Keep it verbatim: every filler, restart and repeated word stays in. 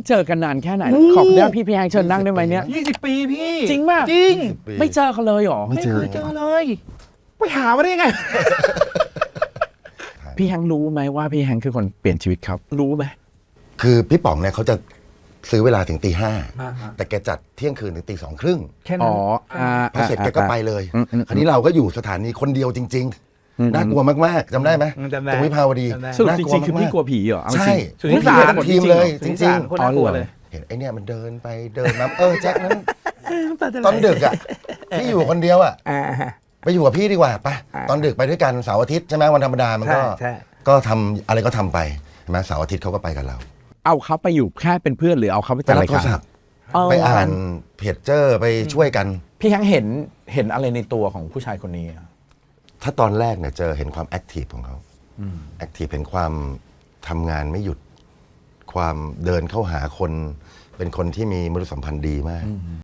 เจอกันนานแค่ไหนขอบได้พี่พี่แฮงเชิญนั่งได้ไหมเนี่ยยี่สิบปีพี่จริงป่ะจริงไม่เจอเขาเลยหรอไม่เคยเจอเลยไปหามาได้ยังไงพี่แฮงรู้ไหมว่าพี่แฮงคือคนเปลี่ยนชีวิตเขารู้ไหมคือพี่ป๋องเนี่ยเขาจะซื้อเวลาถึงตีห้าแต่แกจัดเที่ยงคืนถึงตีสองครึ่งแค่นั้อ๋นอพอเสร็จแกก็ไปเลยคราวนี้เราก็อยู่สถานีคนเดียวจริงๆน่ากลัวมากๆจำได้ไหมตรงวิภาวดีสรุปจริงๆคือพี่กลัวผีเหรอใช่สุนิสาทีมเลยจริงๆคนน่ากลัวเลยเห็นไอเนี่ยมันเดินไปเดินมาเออแจ็คนั้นตอนดึกอ่ะพี่อยู่คนเดียวอ่ะไปอยู่กับพี่ดีกว่าไปตอนดึกไปด้วยกันเสาร์อาทิตย์ใช่ไหมวันธรรมดามันก็ก็ทำอะไรก็ทำไปใช่ไหมเสาร์อาทิตย์เขาก็ไปกับเราเอาเขาไปอยู่แค่เป็นเพื่อนหรือเอาเขาไปจัดรายการไปอ่านเพจเจอร์ไปช่วยกันพี่แฮงเห็นเห็นอะไรในตัวของผู้ชายคนนี้ถ้าตอนแรกเนี่ยเจอเห็นความแอคทีฟของเขาแอคทีฟเห็นความทำงานไม่หยุดความเดินเข้าหาคนเป็นคนที่มีมนุษยสัมพันธ์ดีมาก